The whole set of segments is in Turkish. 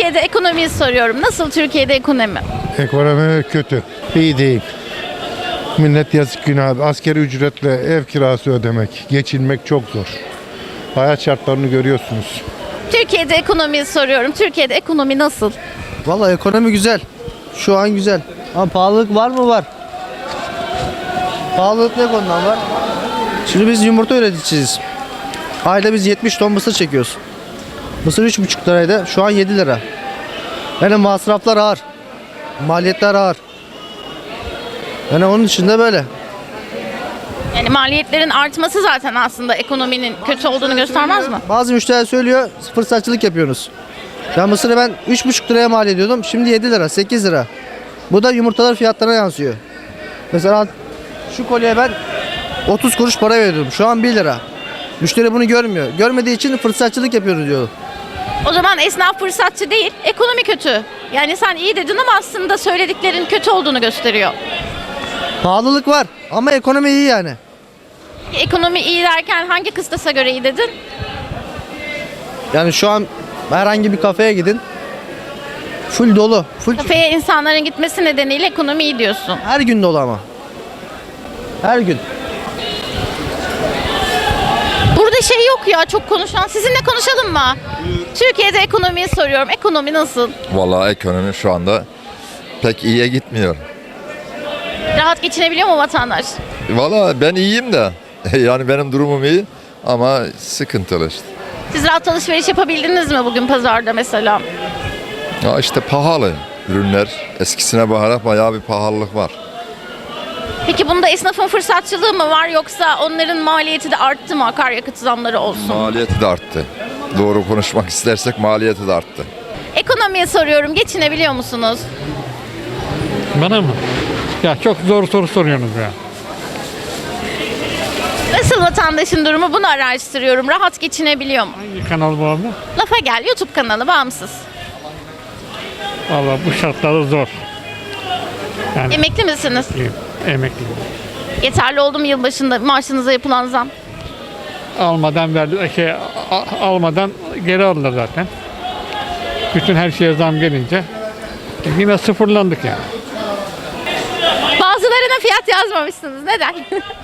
Türkiye'de ekonomiyi soruyorum. Nasıl Türkiye'de ekonomi? Ekonomi kötü. İyi değil. Millet yazık günah. Asgari ücretle ev kirası ödemek, geçinmek çok zor. Hayat şartlarını görüyorsunuz. Türkiye'de ekonomiyi soruyorum. Türkiye'de ekonomi nasıl? Vallahi ekonomi güzel. Şu an güzel. Ama pahalılık var mı? Var. Pahalılık ne konudan var? Şimdi biz yumurta üreticisiyiz. Ayda biz 70 ton mısır çekiyoruz. Mısır 3,5 liraydı. Şu an 7 lira. Yani masraflar ağır. Maliyetler ağır. Yani onun için de böyle. Yani maliyetlerin artması zaten aslında ekonominin kötü olduğunu göstermez mi? Bazı müşteriler söylüyor fırsatçılık yapıyorsunuz. Ya mısırı ben 3,5 liraya mal ediyordum. Şimdi 7 lira, 8 lira. Bu da yumurtalar fiyatlarına yansıyor. Mesela şu kolyeye ben 30 kuruş para veriyordum. Şu an 1 lira. Müşteri bunu görmüyor. Görmediği için fırsatçılık yapıyoruz diyor. O zaman esnaf fırsatçı değil, ekonomi kötü. Yani sen iyi dedin ama aslında söylediklerin kötü olduğunu gösteriyor. Pahalılık var ama ekonomi iyi yani. Ekonomi iyi derken hangi kıstasa göre iyi dedin? Yani şu an herhangi bir kafeye gidin. Full dolu. Full Kafeye insanların gitmesi nedeniyle ekonomi iyi diyorsun. her gün dolu ama. Her gün. Burada şey yok ya, çok konuşan. Sizinle konuşalım mı? Türkiye'de ekonomiyi soruyorum. Ekonomi nasıl? Vallahi ekonomi şu anda pek iyiye gitmiyor. Rahat geçinebiliyor mu vatandaş? Vallahi ben iyiyim de yani benim durumum iyi ama sıkıntılı işte. Siz rahat alışveriş yapabildiniz mi bugün pazarda mesela? Ya işte pahalı ürünler eskisine bakarak bayağı bir pahalılık var. Peki bunda esnafın fırsatçılığı mı var yoksa onların maliyeti de arttı mı, akaryakıt zamları olsun? Maliyeti de arttı. Doğru konuşmak istersek maliyeti de arttı. Ekonomiye soruyorum, geçinebiliyor musunuz? Bana mı? Ya çok zor soru soruyorsunuz ya. Nasıl vatandaşın durumu, bunu araştırıyorum. Rahat geçinebiliyor mu? Hangi kanal bu abla? Lafa gel, YouTube kanalı bağımsız. Valla bu şartlarda zor. Yani Emekli misiniz? emekliyim. Yeterli oldu mu yılbaşında maaşınıza yapılan zam? Almadan verdi, almadan geri aldılar zaten. Bütün her şeye zam gelince yine sıfırlandık yani. Bazılarına fiyat yazmamışsınız. Neden?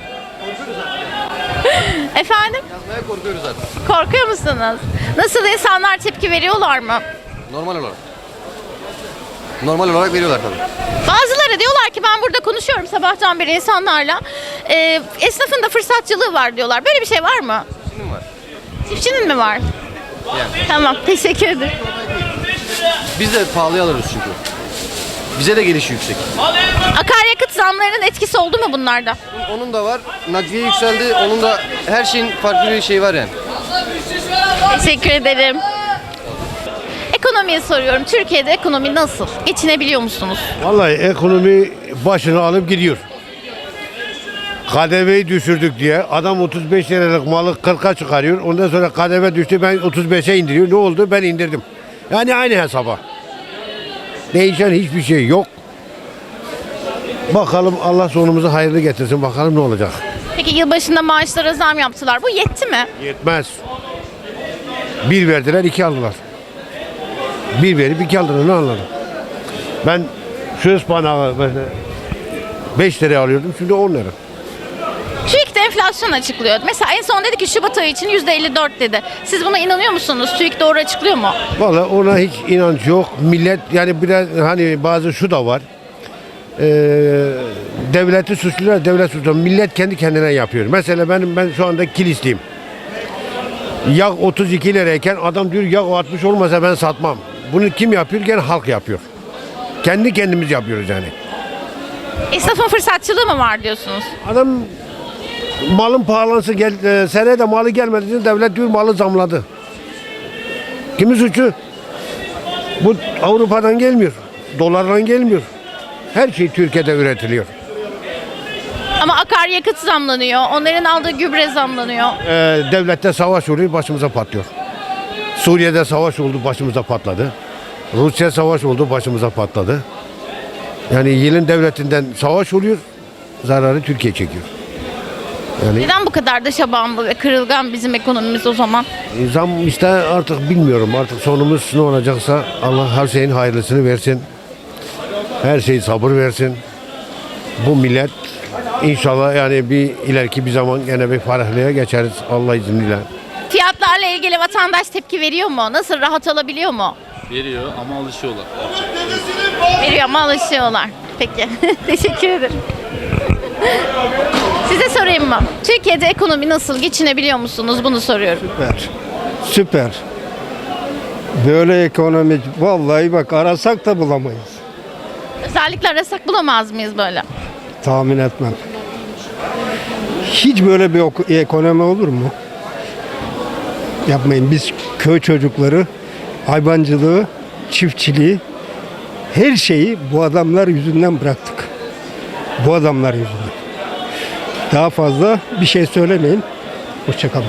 Efendim? Yazmaya korkuyoruz zaten. Korkuyor musunuz? Nasıl, insanlar tepki veriyorlar mı? Normal olarak. Normal olarak veriyorlar tabii. Bazıları diyorlar ki, ben burada konuşuyorum sabahtan beri insanlarla. Esnafın da fırsatçılığı var diyorlar. Böyle bir şey var mı? Şimdi var. Çiftçinin mi var? Yani. Tamam, teşekkür ederim. Biz de pahalıya alırız çünkü. Bize de geliş yüksek. Akaryakıt zamlarının etkisi oldu mu bunlarda? Onun da var. Nakliye yükseldi. Onun da her şeyin farklı bir şey var yani. Teşekkür ederim. Ekonomiyi soruyorum. Türkiye'de ekonomi nasıl? Geçinebiliyor musunuz? Vallahi ekonomi başını alıp gidiyor. KDV'yi düşürdük diye adam 35 liralık malı 40'a çıkarıyor. Ondan sonra KDV düştü, ben 35'e indiriyor. Ne oldu? Ben indirdim. Yani aynı hesaba. Değişen hiçbir şey yok. Bakalım, Allah sonumuzu hayırlı getirsin. Bakalım ne olacak. Peki yılbaşında maaşlara zam yaptılar. Bu yetti mi? Yetmez. Bir verdiler, iki aldılar. Bir verip iki aldılar, ne anladım? Ben şu ıspanağı 5 liraya alıyordum, şimdi 10 lira. TÜİK de enflasyon açıklıyor. Mesela en son dedi ki Şubat ayı için %54 dedi. Siz buna inanıyor musunuz? TÜİK doğru açıklıyor mu? Vallahi ona hiç inanç yok. Millet yani biraz hani bazı şu da var. Devleti suçlular, devlet suçlular. Millet kendi kendine yapıyor. Mesela ben şu anda Kilisliyim. Yağ 32 lirayken adam diyor yağ 60 olmasa ben satmam. Bunu kim yapıyor? Gene halk yapıyor. Kendi kendimiz yapıyoruz yani. Esnafın fırsatçılığı mı var diyorsunuz? Adam malın pahalansı seneye de malı gelmedi için devlet diyor malı zamladı. Kimin suçu? Bu Avrupa'dan gelmiyor. Dolardan gelmiyor. Her şey Türkiye'de üretiliyor. Ama akaryakıt zamlanıyor. Onların aldığı gübre zamlanıyor. Devlette savaş oluyor, başımıza patlıyor. Suriye'de savaş oldu, başımıza patladı. Rusya savaş oldu, başımıza patladı. Yani yılın devletinden savaş oluyor, zararı Türkiye çekiyor. Yani Neden bu kadar dışa bağımlı ve kırılgan bizim ekonomimiz o zaman? zam işte artık bilmiyorum. Artık sonumuz ne olacaksa Allah her şeyin hayırlısını versin. Her şey sabır versin. Bu millet inşallah yani bir ileriki bir zaman gene bir ferahlığa geçeriz Allah izniyle. Fiyatlarla ilgili vatandaş tepki veriyor mu? Nasıl, rahat olabiliyor mu? Veriyor ama alışıyorlar. Veriyor ama alışıyorlar. Peki. Teşekkür ederim. Size sorayım mı? Türkiye'de ekonomi nasıl? Geçinebiliyor musunuz? Bunu soruyorum. Süper. Süper. Böyle ekonomi vallahi bak arasak da bulamayız. Özellikle arasak bulamaz mıyız böyle? Tahmin etmem. Hiç böyle bir ekonomi olur mu? Yapmayın. Biz köy çocukları hayvancılığı, çiftçiliği her şeyi bu adamlar yüzünden bıraktık. Bu adamlar yüzünden. Daha fazla bir şey söylemeyin. Hoşçakalın.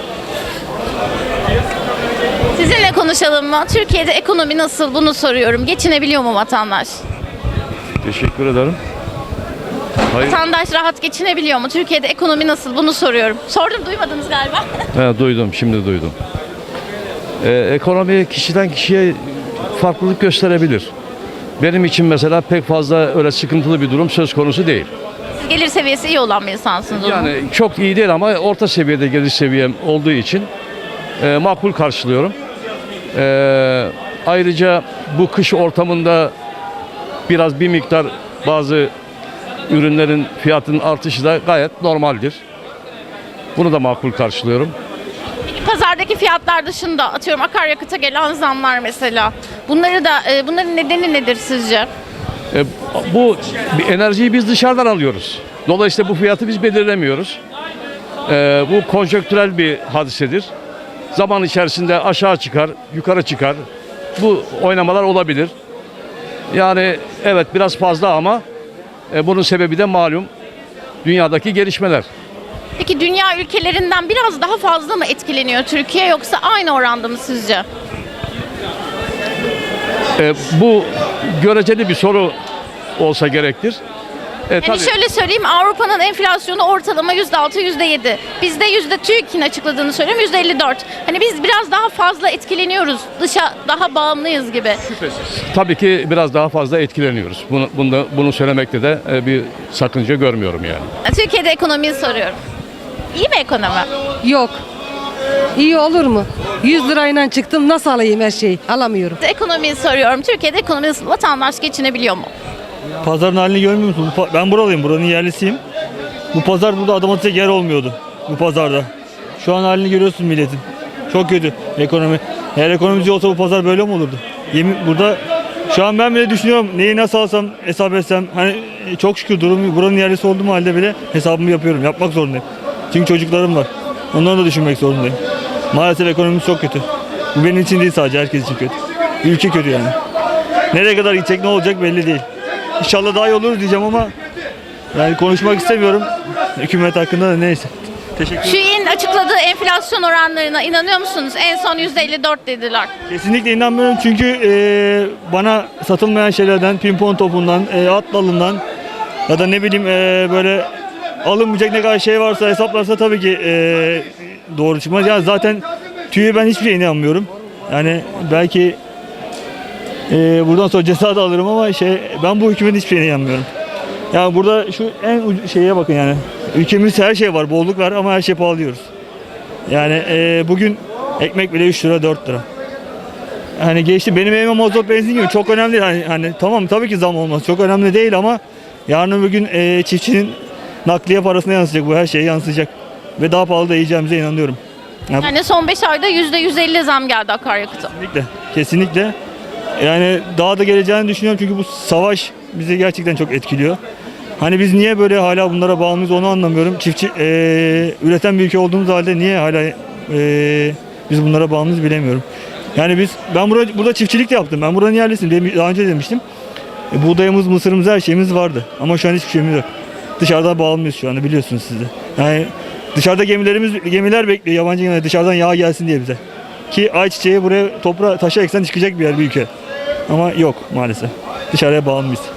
Sizinle konuşalım mı? Türkiye'de ekonomi nasıl? Bunu soruyorum. Geçinebiliyor mu vatandaş? Teşekkür ederim. Hayır. Vatandaş rahat geçinebiliyor mu? Türkiye'de ekonomi nasıl? Bunu soruyorum. Sordum, duymadınız galiba. Duydum, şimdi duydum. Ekonomi kişiden kişiye farklılık gösterebilir. Benim için mesela pek fazla öyle sıkıntılı bir durum söz konusu değil. Siz gelir seviyesi iyi olan bir insansınız o zaman. Yani çok iyi değil ama orta seviyede gelir seviyem olduğu için makbul karşılıyorum. Ayrıca bu kış ortamında biraz bir miktar bazı ürünlerin fiyatının artışı da gayet normaldir. Bunu da makbul karşılıyorum. Peki pazardaki fiyatlar dışında atıyorum akaryakıta gelen zamlar mesela. Bunların nedeni nedir sizce? Bu enerjiyi biz dışarıdan alıyoruz. Dolayısıyla bu fiyatı biz belirlemiyoruz. Bu konjonktürel bir hadisedir. Zaman içerisinde aşağı çıkar, yukarı çıkar. Bu oynamalar olabilir. Yani evet biraz fazla ama bunun sebebi de malum dünyadaki gelişmeler. Peki dünya ülkelerinden biraz daha fazla mı etkileniyor Türkiye yoksa aynı oranda mı sizce? Bu göreceli bir soru olsa gerektir. Yani Tabii. şöyle söyleyeyim, Avrupa'nın enflasyonu ortalama %6, %7. Bizde TÜİK'in açıkladığını söylüyorum %54. Hani biz biraz daha fazla etkileniyoruz. Dışa daha bağımlıyız gibi. Tabii ki biraz daha fazla etkileniyoruz. Bunu söylemekte de bir sakınca görmüyorum yani. Türkiye'de ekonomiyi soruyorum. İyi mi ekonomi? Yok. İyi olur mu? 100 lirayla çıktım nasıl alayım her şeyi? Alamıyorum. Ekonomiyi soruyorum. Türkiye'de ekonomi nasıl? Vatandaş geçinebiliyor mu? Pazarın halini görmüyor musun? Ben buralıyım, buranın yerlisiyim. Bu pazar burada adam atacak yer olmuyordu bu pazarda. Şu an halini görüyorsun milletin. Çok kötü ekonomi. Eğer ekonomimiz olsa bu pazar böyle mi olurdu? Burada şu an ben bile düşünüyorum neyi nasıl alsam, hesap etsem. Hani çok şükür buranın yerlisi olduğum halde bile hesabımı yapıyorum. Yapmak zorundayım. Çünkü çocuklarım var. Onları da düşünmek zorundayım. Maalesef ekonomimiz çok kötü. Bu benim için değil sadece, herkes için kötü. Ülke kötü yani. Nereye kadar gidecek, ne olacak belli değil. İnşallah daha iyi olur diyeceğim ama yani konuşmak istemiyorum. Hükümet hakkında da neyse. Teşekkür ederim. TÜİK'in açıkladığı enflasyon oranlarına inanıyor musunuz? En son %54 dediler. Kesinlikle inanmıyorum çünkü bana satılmayan şeylerden, pimpon topundan, at dalından ya da ne bileyim böyle alınmayacak ne kadar şey varsa hesaplarsa tabii ki doğru çıkmaz. Yani zaten TÜİK'e ben hiçbir şeye inanmıyorum. Yani belki buradan sonra ceza da alırım ama ben bu hükümetin hiçbir şeyine inanmıyorum. Yani burada şu en şeye bakın yani. Ülkemizde her şey var, bolluk var ama her şey pahalıyoruz. Yani bugün ekmek bile 3 lira 4 lira. Hani geçti benim evime mazot benzin gibi çok önemli değil. Hani tamam tabii ki zam olmaz çok önemli değil ama yarın bir gün çiftçinin nakliye parasına yansıyacak, bu her şeye yansıyacak. Ve daha pahalı da yiyeceğimize inanıyorum. Yani son 5 ayda %150 zam geldi akaryakıta. Kesinlikle, kesinlikle. Yani daha da geleceğini düşünüyorum çünkü bu savaş bizi gerçekten çok etkiliyor. Hani biz niye böyle hala bunlara bağımlıyız onu anlamıyorum. Çiftçi üreten bir ülke olduğumuz halde niye hala biz bunlara bağımlıyız bilemiyorum. Yani ben burada çiftçilik de yaptım. Ben buranın yerlisiyim. Daha önce demiştim. Buğdayımız, mısırımız, her şeyimiz vardı. Ama şu an hiçbir şeyimiz yok. Dışarıdan bağımlıyız şu anda biliyorsunuz siz de. Yani dışarıda gemiler bekliyor yabancı gemiler dışarıdan yağ gelsin diye bize. Ki ayçiçeği buraya taşa eksen çıkacak bir yer bir ülke. Ama yok maalesef. Dışarıya bağımlıyız.